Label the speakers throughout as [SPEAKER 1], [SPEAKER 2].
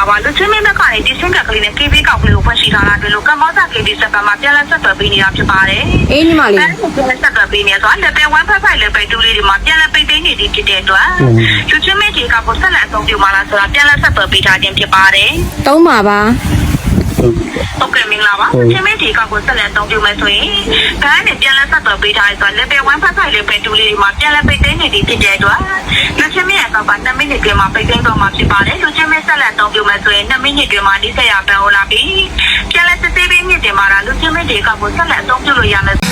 [SPEAKER 1] လာပါလူချင်းမင်းဘက်ကနေဒီစင်ကကလေးနဲ့ KB ကောက်ကလေးကိုဖွင့်ရှိထားတာတွေ့လို့ကမ္ဘောဇာ KB စက်ပတ်မှာပြန်လည်ဆက်သွယ်ပေးနေတာဖြစ်ပါတယ်
[SPEAKER 2] အေးညီမလေး
[SPEAKER 1] ပြန်လည်ဆက်သွယ်ပေးနေဆိုတော့ level 1 5 level 2လေးဒီမှာပြန်လည်ပိတ်သိမ်းနေသည်ဖြစ်တဲ့အတွက်လူချင်းမင်းဒီကကိုဆက်လက်အသုံးပြုမှာလားဆိုတာပြန်လည်ဆက်သွယ်ပေးထားခြင်းဖြစ်ပါတယ်
[SPEAKER 2] သုံးပါပါ
[SPEAKER 1] ဟုတ်ကဲ့မင်္ဂလာပါချင်းမင်းဒီကကိုဆက်လက်အသုံးပြုမယ်ဆိုရင်ဘန်းနဲ့ပြန်လည်ဆက်သွယ်ပေးထားရဆိုတော့ level 1 5 level 2လေးဒီမှာပြန်လည်ပိတ်သိမ်းနေသည်ဖြစ်တဲ့အတွက်လူချင်းမင်းရဲ့ကောက်က2မိနစ်ပြင်မှာပိတ်သိမ်းတော့မှာဖြစ်ပါတယ်လူချင်းမင်းဆက်လက်အသုံးပြုမယ်ဆိုရင်2မိနစ်ပြင်မှာဒီဆက်ရပန်ဟောလာပြီးပြန်လည်စစ်ဆေးပေးမြင့်တင်မှာလားလူချင်းမင်းဒီကကိုဆက်လက်အသုံးပြုလို့ရမယ်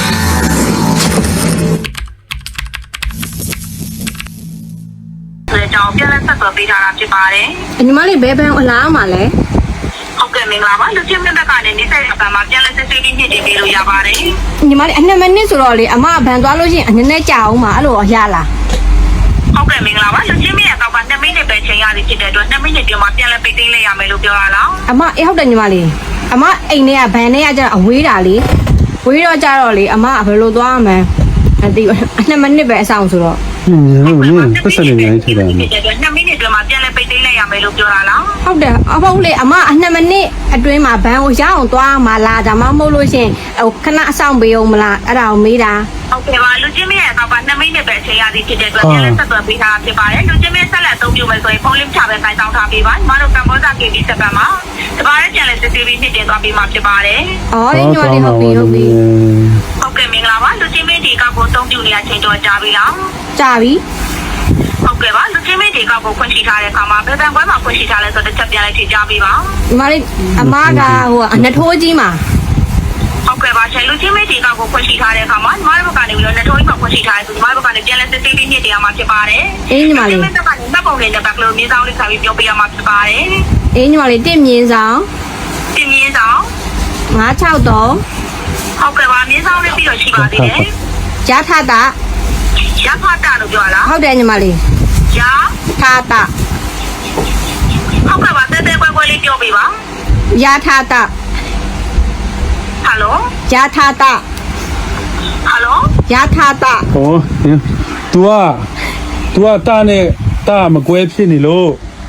[SPEAKER 1] ကြောင့်ပြန်လည်ဆက်သွယ်ပေးထားတာဖြစ်ပါတယ်
[SPEAKER 2] ညီမလေးဘယ်ဘန်းအလားမှာလဲ
[SPEAKER 1] ဟုတ်ကဲ့မင်္ဂလာပါလူချင်းမြတ်ဘက်ကနေနေဆက်ရပံမှာပြန်လည်စစ်ဆေးပြီးညှစ်တင်ပေးလို့ရပါတယ်
[SPEAKER 2] ညီမလေးအ2မိနစ်ဆိုတော့လေအမဘန်သွားလို့ရှိရင်နည်းနည်းကြာအောင်ပါအဲ့လိုရလား
[SPEAKER 1] ဟုတ်ကဲ့မင်္ဂလာပါလူချင်းမြတ်ကောက်က2မိနစ်ပဲချိန်ရသည်ဖြစ်တဲ့အတွက်2မိနစ်ပြင်မှာပြန်လည်ပိတ်သိမ်းလိုက်ရမယ်လို့ပြောရလား
[SPEAKER 2] အမအေးဟုတ်တယ်ညီမလေးအမအိမ်ထဲကဘန်ထဲကကျတော့အဝေးတာလေဝေးတော့ကြတော့လေအမဘယ်လိုသွားမှန်းအတိ2မိနစ်ပဲအဆောင်ဆိုတော့
[SPEAKER 3] ပတ်စံနေနေထိတာ
[SPEAKER 1] 2မိနစ်အတွင်းမှာပြန်လည်ပိတ်သိမ်းလိုက်ရမယ်လို့ပြောတာလား
[SPEAKER 2] ဟုတ်တယ်အဖေလေအမ2မိနစ်အတွင်းမှာဘန်းကိုရအောင်သွားမှလားဒါမှမဟုတ်လို့ရှင်ဟိုခဏအဆောင်ပေးအောင်မလားအဲ့ဒါကိုမေးတာ
[SPEAKER 1] ဟုတ်ကဲ့ပါလူချင်းမရဲ့ကောက်က2မိနစ်ပဲချိန်ရသည်ဖြစ်တဲ့အတွက်ပြန်လည်ဆက်သွယ်ပေးထားဖြစ်ပါတယ်လူချင်းမဆက်လက်အသုံးပြုမယ်ဆိုရင်ဖုန်းလင်းချပဲခိုင်းဆောင်ထားပေးပါညီမတို့ကမ္ဘောဇာ KB စက်ပတ်မှာတပါးရဲ့ပြန်လည်စစ်ဆေးပြီးညှစ်တင်သွားပေးမှာဖြစ်ပါတယ်
[SPEAKER 2] အော်ညီမလေးဟုတ်ပြီဟုတ်ပြီ
[SPEAKER 1] ဟုတ်ကဲ့မင်္ဂလာပါလူချင်းမဒီကောက်ကိုအသုံးပြုနေရချိန်တော့ကြာပြီလား
[SPEAKER 2] ကြာပြီ
[SPEAKER 1] ဟုတ်ကဲ့ပါလူချင်းမဒီကောက်ကိုဖွင့်ရှိထားတဲ့အခါမှာဘယ်ဘန်ကွဲမှာဖွင့်ရှိထားလဲဆိုတော့တစ်ချက်ပြန်လိုက်ဖြေကြားပေးပါ
[SPEAKER 2] ညီမလေးအမကဟိုအနှထိုးကြီးမှာ
[SPEAKER 1] ဟုတ်ကဲ့ပါရှင်လူချင်းမဒီကောက်ကိုဖွင့်ရှိထားတဲ့အခါမှာညီမတို့ဘက်ကနေပြီးတော့နှထိုးကြီးမှာဖွင့်ရှိထားတယ်ဆိုညီမတို့ဘက်ကနေပြန်လဲစစ်ဆေးပြီးညှစ်တင်ရမှာဖြစ်ပါတယ်
[SPEAKER 2] အေးညီမလေး
[SPEAKER 1] ဒီဘက်ကနေမှတ်ပုံလေးနဲ့ဘက်ကလေးမြေဆောင်လေးခါပြီးပြောပြရမှာဖြစ်ပါတယ်
[SPEAKER 2] အေးညီမလေး1မြင်းဆောင်
[SPEAKER 1] 1မြင်းဆောင်
[SPEAKER 2] 963
[SPEAKER 1] ဟုတ်ကဲ့ပါမြေဆောင်လေးပြီးတော့ရှိပါသေးတယ်
[SPEAKER 2] ရထတာ
[SPEAKER 1] ရထတာလို့ပြောလား
[SPEAKER 2] ဟုတ်တယ်ညီမလေး
[SPEAKER 1] ရ
[SPEAKER 2] ထတာ
[SPEAKER 1] ဟုတ်ကဲ့ပါတဲတဲကွဲလေးပြောပေးပါ
[SPEAKER 2] ရထတာ
[SPEAKER 1] ဟယ်လို
[SPEAKER 2] ရထတာ
[SPEAKER 1] ဟယ်လို
[SPEAKER 2] ရထတာ
[SPEAKER 3] ဟော तू ကတာနဲ့တာမကွဲဖြစ်နေလို့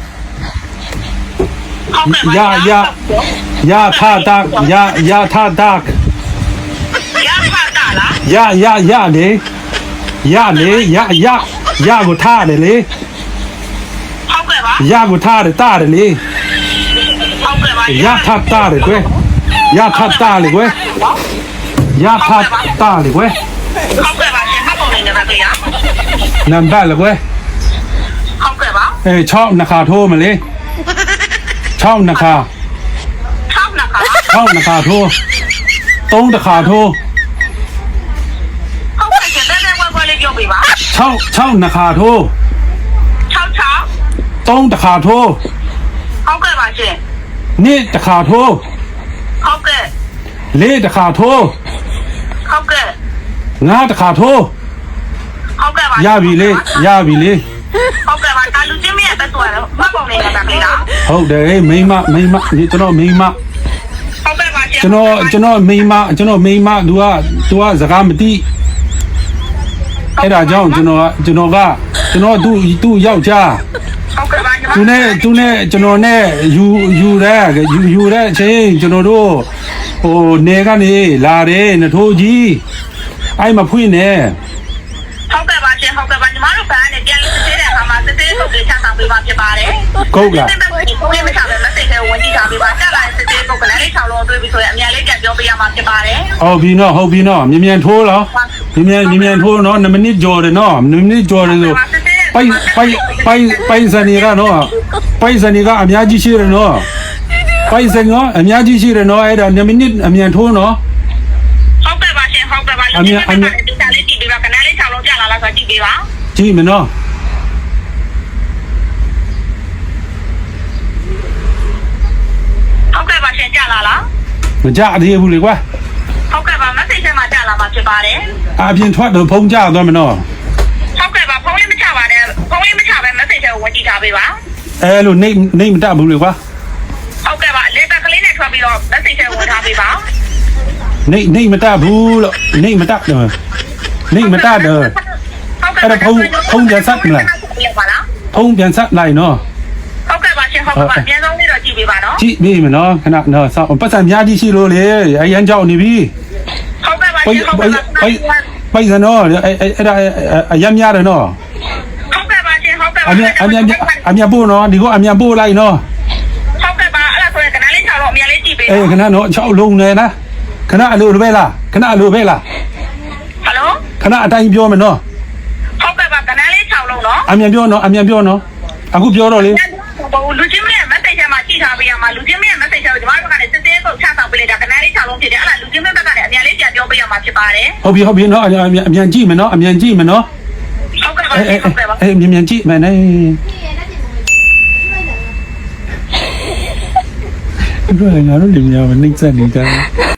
[SPEAKER 1] ဟုတ်ကဲ့ပါ
[SPEAKER 3] ရထတာရထတာ
[SPEAKER 1] ရထတာလား
[SPEAKER 3] ရလေရကိုထားတယ်လေ
[SPEAKER 1] ဟုတ်ကဲ့ပါ
[SPEAKER 3] ရကိုထားတယ်တာတယ်လေ
[SPEAKER 1] ဟုတ်ကဲ့ပါ
[SPEAKER 3] ရထတာလေကွယ်ရထတာလေကွယ်ရထတာလေကွယ်
[SPEAKER 1] ဟုတ်ကဲ့ပါရှင်မှတ်ပုံလေးနဲ့ပါဗျာ
[SPEAKER 3] နံပါတ်လေကွယ်
[SPEAKER 1] ဟုတ်ကဲ့ပါ
[SPEAKER 3] 6နှစ်ခါထိုးမလေး6နှစ်ခါ
[SPEAKER 1] 6
[SPEAKER 3] နှစ်ခါထိုး3တစ်ခါထိုး
[SPEAKER 1] ဟုတ်ကဲ့ရှင်တဲတဲကွဲလေးပြောပေးပါ
[SPEAKER 3] 6နှစ်ခါထိုး3တစ်ခါထိုး
[SPEAKER 1] ဟုတ်ကဲ့ပါရှင်
[SPEAKER 3] နေ့တစ်ခါထိုး
[SPEAKER 1] ဟုတ်ကဲ့
[SPEAKER 3] 4တစ်ခါထိုး
[SPEAKER 1] ဟုတ်ကဲ့
[SPEAKER 3] 5တစ်ခါထိုး
[SPEAKER 1] ဟုတ်ကဲ့ပါ
[SPEAKER 3] ရပြီလေ
[SPEAKER 1] ဟုတ်ကဲ့ပါဒါလူချင်းမရဲ့ပဲဆိုရတော့မှတ်ပုံလေးနဲ့ပါခင်ဗျာ
[SPEAKER 3] ဟုတ်တယ်မိမဒီကျွန်တော်မိမ
[SPEAKER 1] ဟုတ်ကဲ့ပါရှင်
[SPEAKER 3] ကျွန်တော်မိမသူကစကားမသိအဲ့ဒါကြောင့်ကျွန်တော်သူ့ယောက်ျား
[SPEAKER 1] ဟုတ်ကဲ့ပါ
[SPEAKER 3] သူနဲ့ကျွန်တော်နဲ့ယူတဲ့အချိန်ကျွန်တော်တို့ဟိုနေကနေလာတယ်နှထိုးကြီးအဲ့မဖွင့်နဲ့
[SPEAKER 1] ဟုတ်ကဲ့ပါရှင်ဟုတ်ကဲ့ပါညီမတို့ဘာနဲ့ပြန်လို့စစ်သေးတဲ့အခါမှာစစ်သေးပုတ်တွေချဆောင်ပေးပါဖြစ်ပါတယ်
[SPEAKER 3] ကုတ်လား
[SPEAKER 1] စစ်သေးပုတ်တွေဘုန်းကြီးမချပဲမစိတ်ထဲဝင်ကြည့်ထားပေးပါတက်လာစစ်သေးပုတ်ကလည်းလေး6လုံးတွေးပြီးဆိုရင်အများလေးကြပြောပေးရမှာဖြစ်ပါတယ်
[SPEAKER 3] ဟုတ်ပြီနော်မြန်ထိုးလားမြန်ထိုးနော်2မိနစ်ကြော်တယ်နော်2မိနစ်ကြော်တယ်ဆိုပိုင်စနေကနော်ပိုင်စနေကအများကြီးရှိတယ်နော်ပိုင်စနေကအများကြီးရှိတယ်နော်အဲ့ဒါ2မိနစ်အမြန်ထိုးနော်
[SPEAKER 1] ဟုတ်ကဲ့ပါရှင်ဟုတ်ကဲ့ပါအမြန်ဒီစားလေးကြည့်ပေးပါကနန်းလေး6လုံးကြာလာလားဆိုကြည့်ပေးပါ
[SPEAKER 3] ကြည့်မနော်
[SPEAKER 1] ဟုတ်ကဲ့ပါရှင်ကြာလာလား
[SPEAKER 3] မကြသေးဘူးလေကွာ
[SPEAKER 1] ဟုတ်ကဲ့ပါ message ထဲမှာကြာလာမှာဖြစ်ပါတယ်
[SPEAKER 3] အပြင်ထွက်တော့ဖုန်းကြသွားမနော်
[SPEAKER 1] ဟုတ်ကဲ့ပါဖုန်းလေးမချပါနဲ့ဖုန်းလေးမချပဲ message ထဲကိုဝင်ကြည့်ထားပေးပါ
[SPEAKER 3] အဲ့လိုနေမတတ်ဘူးလေကွာ
[SPEAKER 1] ဟုတ်ကဲ့ပါလေတက်ကလေးနဲ့ထွက်ပြီးတော့ message ထဲဝင်ထားပေးပါ
[SPEAKER 3] နေမတတ်ဘူးလို့နေမတတ်တော့အဲ့ဒါဖုန်းပြန်ဆက်မလားဖုန်းပြန်ဆက်လိုက်နော်
[SPEAKER 1] ဟုတ်ကဲ့ပါရှင်ရှင်ဟုတ်ကဲ့ပါအများဆုံးလေးတော့ကြည့်ပေးပါနော်
[SPEAKER 3] ကြည့်ပြီမနော်ခဏနော်စောင့်ပတ်စံများကြီးရှိလို့လေအရန်ကြောက်နေပြီ
[SPEAKER 1] ဟုတ်ကဲ့ပါရှင်ဟုတ်ကဲ့ပါ
[SPEAKER 3] ပိုက်စံနော်အဲ့ဒါအရန်များတယ်နော်
[SPEAKER 1] ဟုတ်ကဲ့ပါရှင်ဟုတ်ကဲ့ပါ
[SPEAKER 3] အမြန်ပို့နော်ဒီကအမြန်ပို့လိုက်နော်
[SPEAKER 1] ဟုတ်ကဲ့ပါအဲ့ဒါဆိုရင်ကနန်းလေး6တော့အများလေးကြည့်ပေး
[SPEAKER 3] အေးခဏနော်6လုံးနေလားခဏအလိုပဲလားခဏအလိုပဲလား
[SPEAKER 1] ဟယ်လို
[SPEAKER 3] ခဏအတိုင်းပြောမယ်နော်
[SPEAKER 1] ဟုတ်ကဲ့ပါကနန်းလေး6လုံးနော်
[SPEAKER 3] အမြန်ပြောနော်အမြန်ပြောနော်အခုပြောတော့လေ
[SPEAKER 1] လူချင်းမရဲ့ message ထဲမှာကြည့်ထားပေးရမှာလူချင်းမရဲ့ message ထဲကိုကျွန်တော်တို့ကလည်းစစ်သေးပုတ်ချဆောင်ပေးလိုက်တာကနန်းလေး6လုံးဖြစ်တယ်အဲ့ဒါလူချင်းမဘက်ကလည်းအများလေးပြန်ပြောပေးရမှာဖြစ်ပါတယ်
[SPEAKER 3] ဟုတ်ပြီနော်အမြန်ကြည့်မယ်နော်အမြန်ကြည့်မယ်နော်
[SPEAKER 1] ဟုတ်ကဲ့ပါဟုတ်ကဲ့ပါ
[SPEAKER 3] အေးမြန်ကြည့်မယ်နဲ့တို့လည်းငါတို့လင်မယားမနှိမ့်ဆက်နေကြတယ်